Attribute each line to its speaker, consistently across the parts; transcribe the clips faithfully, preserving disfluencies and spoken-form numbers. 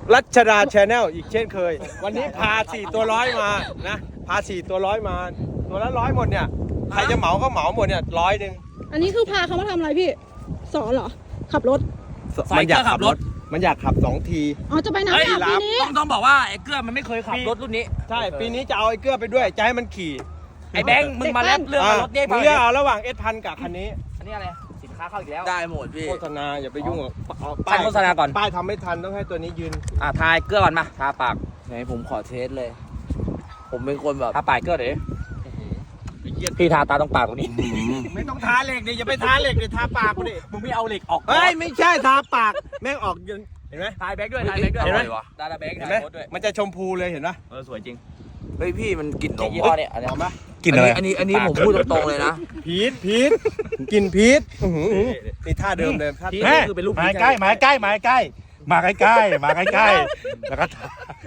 Speaker 1: รัชดาแชนแนลอีกเช่นเคย วันนี้พาสี่ตัวร้อยมานะพาสี่ตัวร้อยมาตัวละร้อยหมดเนี่ยใครจะเหมาก็เหมาหมดเนี่ยร้อยหนึ่ง
Speaker 2: อันนี้คือพาเขามาทำอะไรพี่สอนเหรอขับรถ
Speaker 1: มันอยากขับรถมันอยากขับสองที
Speaker 2: อ๋อจะไปน้ำอาบปีนี้
Speaker 3: ต้องต้องบอกว่าไอ้เกื้อมันไม่เคยขับรถรุ่นนี้
Speaker 1: ใช่ปีนี้จะเอาไอ้เกื้อไปด้วยจะให้มันขี่
Speaker 3: ไอ้แบงค์มึงมาแลบเรื่องรถเนี่ย
Speaker 1: มึงเลือกเอาระหว่างเอสพันกับคันนี้
Speaker 3: อันนี้อะไรสินค้าเข้าอีกแล้ว
Speaker 4: ได้หมดพี่
Speaker 1: โฆษณาอย่าไปยุ่งกับเอา
Speaker 3: ท่านโฆษณาก่อน
Speaker 1: ป้ายทำไม่ทันต้องให้ตัวนี้ยืน
Speaker 3: อ่าทายเกลือก่อนมาทาปาก
Speaker 4: ไหนผมขอเทสเลย ผมเป็นคนแบบ
Speaker 3: ทาปากเกลือเดี๋ยวพี่ทาตาตรงปากตรงนี้
Speaker 1: ไม่ต้องทาเหล็กดิอย่าไปทาเหล็กดิทาปากกูดิ
Speaker 3: มึงไม่เอาเหล็กออก
Speaker 1: เฮ้ยไม่ใช่ทาปากแม่งออกยืนเห็นไหม
Speaker 3: ทายแบงค์ด้วยทายแบงค์ด้วย
Speaker 1: เห็นไหม
Speaker 3: ดาราแบงค์
Speaker 1: เห็น
Speaker 3: ทา
Speaker 1: ไหม
Speaker 3: ยโค้ดด้วย
Speaker 1: มันจะชมพูเลยเห็นปะ
Speaker 3: เออสวยจริง
Speaker 4: เฮ้ยพี่มันกลิ่นนม
Speaker 3: ยี่ห้อเนี่ยอันนี้
Speaker 1: หอมปะ
Speaker 4: กลิ่นอะไรอันนี้อันนี้ผมพูดตรงๆเลยนะ
Speaker 1: พีทพีทกลินพีทอื้อหือนี่ท่าเดิมเลยท่า
Speaker 3: ที่
Speaker 1: เดิม
Speaker 3: คือเป็นรูป
Speaker 5: มาใกล้มาใกล้มาใกล้มาใกล้ใกล้มาใกล้ใกล้แล้วก็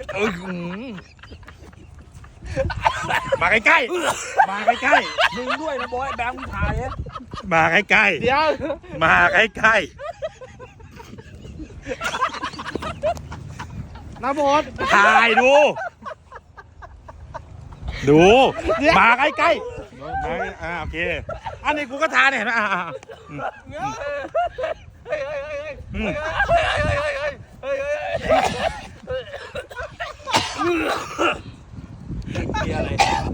Speaker 5: มาใกล้ใกล้มาใกล้ใกล้
Speaker 3: มึงด้วยนะบอยแบงค์มึงทายเนี่ย
Speaker 5: มาใกล้ใกล้
Speaker 1: เดี๋ยว
Speaker 5: มาใกล้ใกล้
Speaker 1: น้ำมด
Speaker 5: ถ่ายดู ดูมาใกล้ใกล้มาอ่าโอเคอันนี้กูก็ทานเนี่ยเห็นไหมอ่าอ่าอืมอืม
Speaker 3: มีอะไร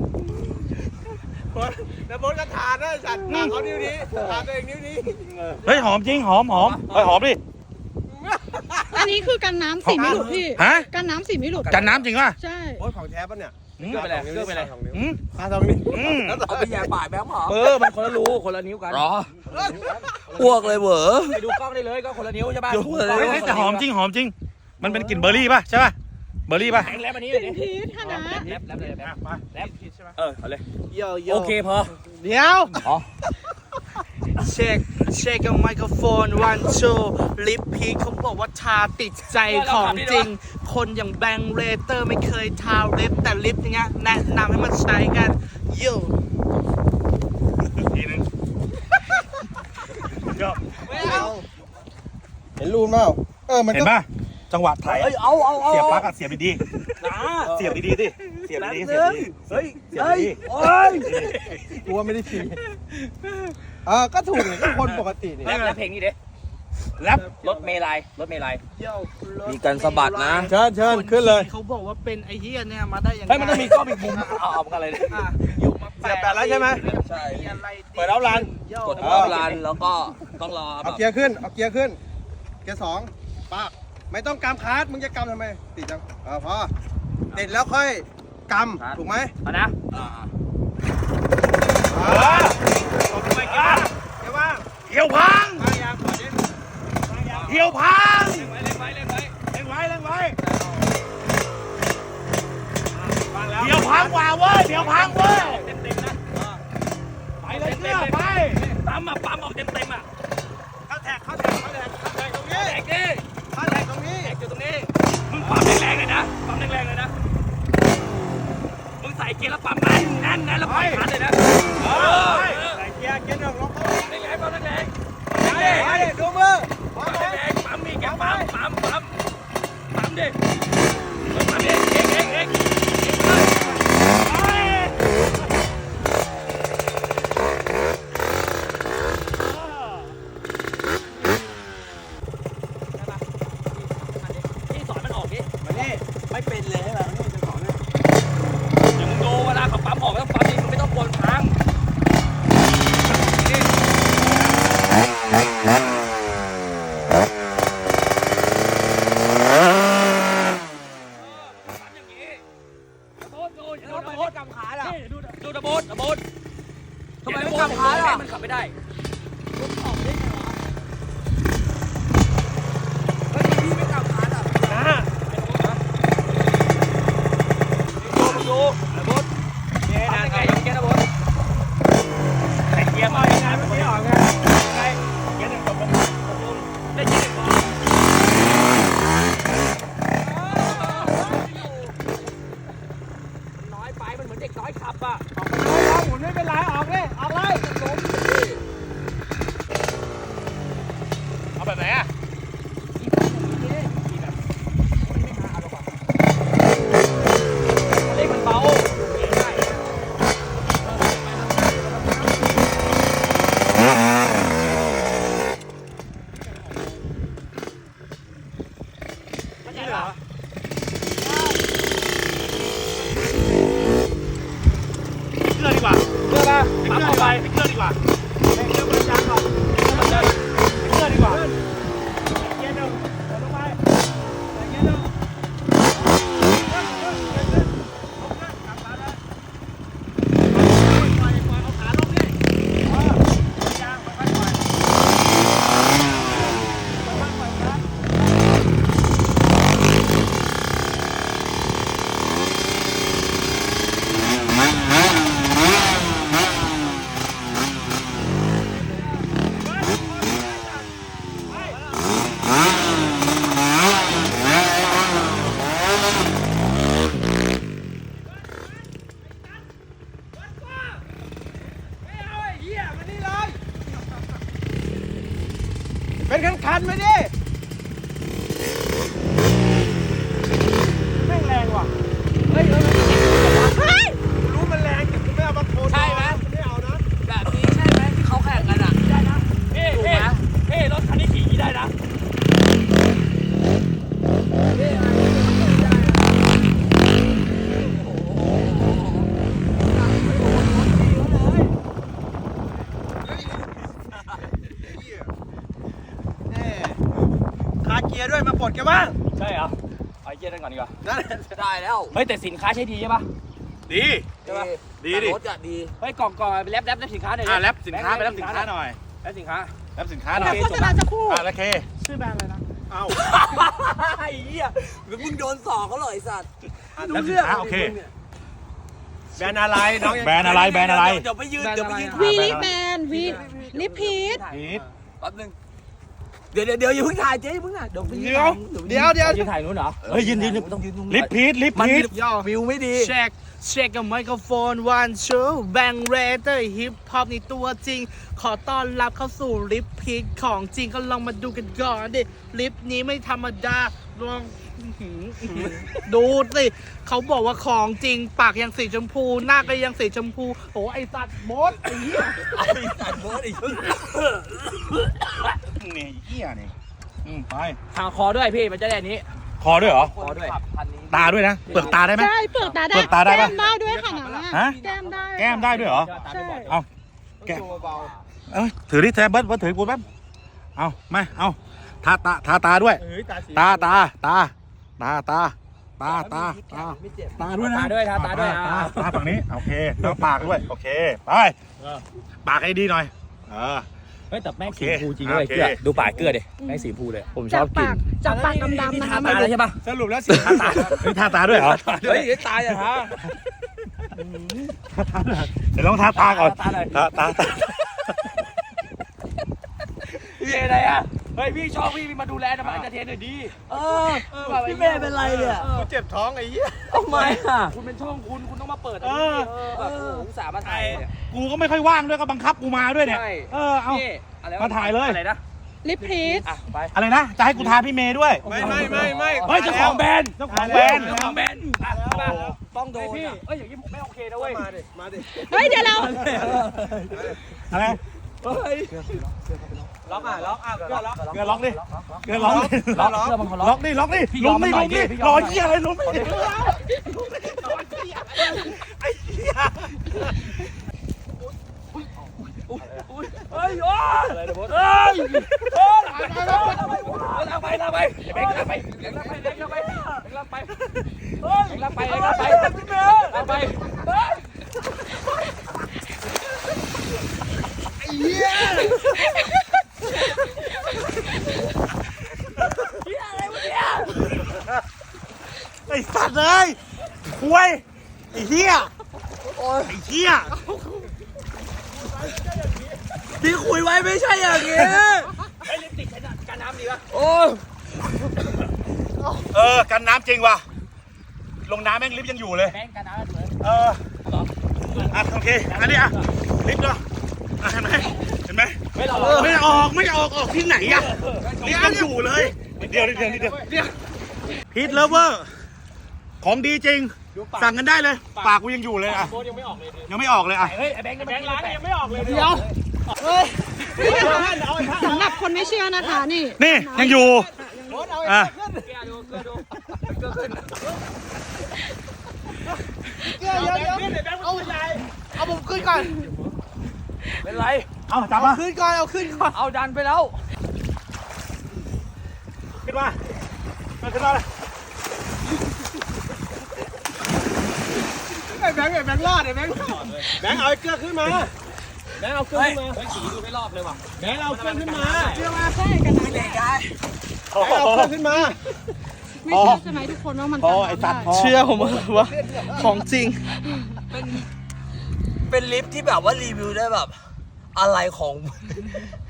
Speaker 1: น้ำมดก็ทานนะสัตว์ทานเขานิ้วนี้ทานตัวเองนิ้วนี้
Speaker 5: เฮ้ยหอมจริงหอมหอมเฮ้ยหอมดิ
Speaker 2: อันนี้คือกันน้ำสีไม่หลุดพี่
Speaker 5: ฮะ
Speaker 2: กันน้ำสีไม่หลุด
Speaker 5: กันน้ำจริงป่ะ
Speaker 2: ใช่
Speaker 1: โอ้ยของแท้ปะเนี่ย
Speaker 3: เกลือไปเลยเกลือไปเลย
Speaker 5: อืม
Speaker 1: ทาสองนิ้ว
Speaker 5: อืม
Speaker 4: เอาไปแย่ปากแบงค์หรอ
Speaker 3: เออมันคนละรูคนละนิ้วกัน
Speaker 4: หรออ้วกเลยเหวอ
Speaker 3: ไปดูกล้องได้เลยก็คนละนิ้วใช่ป่ะ
Speaker 5: เฮ้ยแต่หอมจริงหอมจริง มันเป็นกลิ่นเบอร์รี่ป่ะใช่ป่ะเบอร์รี่ป่ะ
Speaker 3: แบงค์แลบอันนี้
Speaker 2: ก
Speaker 3: เล
Speaker 2: ลิ่
Speaker 3: ย
Speaker 2: นพีชค่ะนะ
Speaker 3: แลบแลบเลยแลบ
Speaker 5: มา
Speaker 3: แลบเออเอาเลย
Speaker 4: โยโย
Speaker 3: โอเคพอ
Speaker 1: เดี๋ยว
Speaker 3: อ๋อ
Speaker 4: เช็คเช็คกับไมโครโฟนวันโชลิปพีเขาบอกว่าทาติดใจของจริง คนอย่างแบงค์เรเตอร์ไม่เคยทาลิปแต่ลิปเนี้ยแนะนำให้มาใช้กันโย
Speaker 5: ทีนึงก็
Speaker 1: เห็นรูนเปล่าเออมัน
Speaker 5: เห็น
Speaker 1: ก็
Speaker 5: ป่ะจังหวะถ่าย
Speaker 3: เฮ้ยเอาเอาเอา
Speaker 5: เสียบปลั๊กอะเสียบดีๆเสียบดีๆดิเสียบดีๆเสียบดีๆ
Speaker 3: เฮ้ย
Speaker 5: เสียบ
Speaker 3: เฮ้ย
Speaker 5: ดี
Speaker 3: โอ้ย
Speaker 1: กลัวไม่ได้ขี่เออก็ถูกเลยก็คนปกตินี่
Speaker 3: แลบแลบเพลงนี้เด้
Speaker 5: ๆแรป
Speaker 3: รถเมลัยรถเมลัย
Speaker 4: มีการสะบัดนะ
Speaker 1: เชิญเชิญขึ้นเลย
Speaker 4: เขาบอกว่าเป็นไอ้เหี้ยเนี่ยมาได้ยังไง
Speaker 3: เฮ้ยมันต้องมีกล้องอีกมุมเอาเอากันเลย
Speaker 4: อยู่มา
Speaker 1: เสียบแปดแล้วใช่ไหม
Speaker 4: ใช่
Speaker 1: เปิดเอาลัน
Speaker 4: กดรอบรันแล้วก็ต้องรอแบ
Speaker 1: เอา
Speaker 4: บ
Speaker 1: เกียร์ขึ้นเอาเกียร์ขึ้นเกียร์สองปากไม่ต้องกำคาร์ดมึงจะกำทำไมติดจังเออพอติดแล้วค่อยกำถูกไหม
Speaker 3: เอานะ
Speaker 1: เออตบไปเกียร์เกียร์ว่าง
Speaker 5: เหี่ยวพัง
Speaker 1: วางยางก่อนดิ
Speaker 5: เหี่ยวพัง
Speaker 1: เล่นไว้เล่นไว้เล่นไว้
Speaker 5: เร่งไว้เร่งไว้
Speaker 1: วางแล้ว
Speaker 5: เหี่ยวพังกว่าเว้ยเหี่ยวพังเว้ย
Speaker 3: เต็มเต็มนะ
Speaker 5: ไปเลยเกลือไป
Speaker 3: ปั๊มอ่ะปั๊มออกเต็มเต็มอ่ะ
Speaker 1: เข้าแท็กเข้าแท็กเข้าแท็กเข้าแท็กตรงนี้
Speaker 3: แตกดิ
Speaker 1: เข้าแท็กตรงนี้
Speaker 3: แตกอยู่ตรงนี้มึงปั๊มแรงๆเลยนะปั๊มแรงๆเลยนะมึงใส่เกียร์แล้วปั๊มแน่นแน่นแน่นแล้วปล่อยคันเลยนะเออ
Speaker 1: ใส่เกียร์เกียร์หนึ่งล็อกเข้า
Speaker 3: แรงๆปั๊มแรง
Speaker 1: ไปไปดูมือพร้อม
Speaker 3: ๆ
Speaker 1: ไหม
Speaker 3: แรงๆปั๊มมีแกปั๊มปั๊มปั๊มปั๊มดิปั๊มดิเองเองเองที่สอนมันออกดิ
Speaker 1: มานี่
Speaker 4: ไม่เป็นเลยใช่ไหม
Speaker 1: นี่จะสอนเลย
Speaker 3: เดี๋ยวมึงดูเวลาเขาปั๊มออกแล้วปั๊มดิมึงไม่ต้องกวนค้างดูดูตะโบดตะโบดทำไมไม่กำขาล่ะมันขับไม่ได้
Speaker 4: พี่ไม่กลับคาร์ดอ่ะ
Speaker 5: นะ
Speaker 1: ดกันบ้าง
Speaker 3: ใช่เหรอเอาไอ้เกียร์นั่นก่อนดีกว่า
Speaker 1: นั่น
Speaker 6: ได้แล้ว
Speaker 3: เฮ้ยแต่สินค้าใช้ดีใช่ปะ
Speaker 5: ดี
Speaker 3: ใช่ปะ
Speaker 5: ดีดิ
Speaker 6: รถอะดี
Speaker 3: เฮ้ยกล่องกล่องไปแรปแรปแรปสินค้าหน่อยดิ
Speaker 5: อ่ะแรปสินค้าไปแรปสินค้าหน่อย
Speaker 3: แรปสินค้า
Speaker 5: แรปสินค้าหน่อย
Speaker 2: โฆษณาจะพูด
Speaker 5: อ่ะแล้วเค
Speaker 4: ชื่อแบรนด์อะไรนะ
Speaker 5: เอ้า
Speaker 6: ไอ้เหี้ยมึงโดนสอกเขาเลยไอ้สัตว์
Speaker 5: แรปสินค้าโอเค
Speaker 1: แบรนด์อะไรน้องยัง
Speaker 5: แบรนด์อะไรแบรนด์อะไร
Speaker 6: เดี๋ยวไปยืนเดี๋ยวไปยืน
Speaker 2: วีลิปแมนวีลิปพีท
Speaker 5: พีท
Speaker 6: แป๊บนึงเดี๋ยวเดี๋ยวเดี๋ยวอย่าเพิ่งถ่ายเจ๊อย่าเพิ่งถ่ายเดี๋ยวไปยืน
Speaker 1: เดี๋ยวเดี๋ยว
Speaker 3: ยืนถ่ายนู้นเหรอ
Speaker 5: เฮ้ยยืนยืน
Speaker 6: ต้องยืนตรงนี้
Speaker 5: ลิปพีทลิป
Speaker 6: มัน
Speaker 5: พีท
Speaker 6: วิวไม่ดี
Speaker 4: เช็คเช็คกับไมโครโฟนวันโชว์แบงเรเตอร์ฮิปฮอปในตัวจริง ขอต้อนรับเข้าสู่ลิปพีทของจริงก็ลองมาดูกันก่อนดิลิปนี้ไม่ธรรมดาลองอื้อหืออื้อหือดูสิเขาบอกว่าของจริงปากยังสีชมพู หน้าก็ยังสีชมพูโอ้ไอสัตว์มดไอ้เหี้ย
Speaker 6: ไอ้สัตว์โบสไอ้เหี้ย
Speaker 5: นี่เหี้ยนี่อืมไป
Speaker 3: ทางคอด้วยพี่มันจะได้อันนี้
Speaker 5: คอด้วยเหรอ
Speaker 3: คอด้วย
Speaker 5: ตาด้วยนะเปลือกตาได้ไหม
Speaker 2: ใช่เปลือกตาได้
Speaker 5: เปลือกตาได้ปะ
Speaker 2: แก้มได้ด้วยค่ะนะ
Speaker 5: ฮะ
Speaker 2: แก้มได้
Speaker 5: แก้มได้ด้วยเหรอ
Speaker 2: ใช่
Speaker 5: เอาแก้มเอ้ยถือดิแทบเบิร์ดเบิร์ดถือกูแป๊บเอาไม่เอาทาตาทาตาด้วย
Speaker 1: เฮ้ยตาสี
Speaker 5: ตาตาตาตาตาตาตาตาตาด้วยนะ
Speaker 3: ตาด้วยทาตาด้วย
Speaker 5: ตา
Speaker 3: อ่า
Speaker 5: ตาฝั่งนี้โอเคแล้วปากด้วยโอเคไปปากให้ดีหน่อยเออ
Speaker 3: เฮ้ยแต่แม่ง
Speaker 5: โอเค
Speaker 3: สีฟูจริงด้วย
Speaker 5: โอเค
Speaker 3: เกลือดูปากเกลือดิแม่งสีฟูเลยผมช
Speaker 2: จา
Speaker 3: อก บกิ
Speaker 2: ปาน กจากปากดำๆนะคะ
Speaker 3: ตาเลยใช่ปะ
Speaker 1: สรุปแล้วสีทาตา
Speaker 5: เฮ้ยทาตาด้วยเหรอ
Speaker 3: เฮ้ยตายอ่ะฮะ
Speaker 5: ทาตาด้วยเหรอเดี๋ยวลองทาตาก่อน
Speaker 3: ตาหน่อย
Speaker 5: ตาตาตา
Speaker 3: พี่อะไรอ่ะเฮ้ยพี่ชอบพี่มาดูแลนะมาเอนเตอร์เทนหน่อยดี
Speaker 6: เออพี่เมย์เป็นไรเนี่ย
Speaker 1: กูเจ็บท้องไอ้เหี้ย
Speaker 6: ทำไมอ่ะ
Speaker 3: คุณเป็นช่องคุณคุณต้องมาเปิด
Speaker 5: เออ
Speaker 3: แบบอุตส่าห์มาถ่ายเนี่ย
Speaker 5: กูก็ไม่ค่อยว่างด้วยก็บังคับกูมาด้วยเนี่ย
Speaker 3: ใช่
Speaker 5: เออเอา
Speaker 3: นี่อะไรวะ
Speaker 5: มาถ่ายเลย
Speaker 3: อะไรนะ
Speaker 2: ลิปพีท
Speaker 3: อ่ะไป
Speaker 5: อะไรนะจะให้กูทาพี่เมย์ด้วย
Speaker 1: ไม่ไม่ไม่ไม่
Speaker 3: เฮ้ยเจ้าของแบรนด์
Speaker 5: เจ้าของแบรนด์
Speaker 3: เจ้าของแบรนด์อ่ะมา
Speaker 6: ต้องโดน
Speaker 3: พี่
Speaker 6: อะ
Speaker 3: เอ้ยอย่างนี้ผมไม่โอเคนะเว้ย
Speaker 1: มาดิมาดิ
Speaker 2: เฮ้ยเดี๋ยวเรา
Speaker 5: อะไร
Speaker 3: เฮ้ย
Speaker 1: ล็อกอ่ะล็อกอ่ะก็ล็อก
Speaker 5: เกลือล็อกดิเกลือล็อกดิ
Speaker 3: ล็อกเสื้อมันเขาล็
Speaker 5: ล็
Speaker 3: อ
Speaker 5: อก กดิล็อกดิ
Speaker 3: พี่ย
Speaker 5: ลุ
Speaker 3: อม
Speaker 5: มดิ
Speaker 3: มันหน่
Speaker 5: ลุ
Speaker 3: อย
Speaker 5: มดิ
Speaker 3: ดิพี่ย
Speaker 5: ร
Speaker 3: อ
Speaker 5: อ
Speaker 3: มมัน
Speaker 5: เหี้ยอะไรลุมดิไอ้เหี้ย
Speaker 3: เฮ้ยโอ้ยอะไรนะบอสเฮ้ยเฮ้ยลากไปลากไปเบงลากไปเบงลากไปเบงลากไปเบงลากไปเฮ้ยเบงลากไปเบงลากไปลากไปเฮ้ย
Speaker 5: ไอ้สัตว์เลยคุยไอ้เหี้ยไอ้เหี้ย
Speaker 6: ที่คุยไว้ไม่ใช่อย่างนี้
Speaker 3: ไอ้ลิปติกใช้การน้ำดีป่ะ
Speaker 6: โอ้ย
Speaker 5: เออกันน้ำจริงว่ะลงน้ำแม่งลิฟต์ยังอยู่เลย
Speaker 3: แบงการน้ำสวย
Speaker 5: เอออ่ะโอเคอันนี้อ่ะลิฟต์เนาะอ่ะเห็นไหมเห็นไหม
Speaker 3: ไม่หรอก
Speaker 5: ไม่ออกไม่ออกออกที่ไหนอ่ะลิฟต์ยังอยู่เลยนิดเดียวนิดเดียวนิดเดียวพีทเลเวอร์ของดีจริงสั่งกันได้เลยปากกูยังอยู่เลยอ่ะ
Speaker 3: โบยังไม่ออกเลย
Speaker 5: ยังไม่ออกเลยอ่ะ
Speaker 3: เฮ้ยไอ้แบงค์แบงค์ร้านยังไม่ออกเลย
Speaker 2: เดี๋ยวสำหรับคนไม่เชื่อนะคะนี่
Speaker 5: นี่ยังอยู่อ่ะ
Speaker 3: เกลือดูเกลือดูเกลือขึ้น
Speaker 4: เอาผมขึ้นก่อน
Speaker 3: เป็นไร
Speaker 5: เอาจับมา
Speaker 4: ขึ้นก่อนเอาขึ้นก่อน
Speaker 3: เอาดันไปแล้ว
Speaker 5: ขึ้นมามาขึ้นมาเลย
Speaker 1: ไอ้แบงค์ไอ้แบงค์รอดไอ้แบงค์รอดแบงค์เอาไอ้เกลือขึ้นมาแบงค์เอาเกลือ
Speaker 3: เฮ้ย
Speaker 1: ขึ้นมา
Speaker 3: เฮ้ยขี่ดูไม่รอบเลยว่ะ
Speaker 1: แบงค์เอาเกลือขึ้นมา
Speaker 2: เชื่อมาใช่กันนะ
Speaker 6: เด็กไง
Speaker 1: แบงค์เอาเกลือขึ้นมา
Speaker 2: ไม่เชื่อใช่ไหมทุกคนว่ามัน
Speaker 5: พอไอ้สัตว์พอ
Speaker 4: เชื่อผมว่าของจริง
Speaker 6: เป็นเป็นลิฟต์ที่แบบว่ารีวิวได้แบบ อะไรของ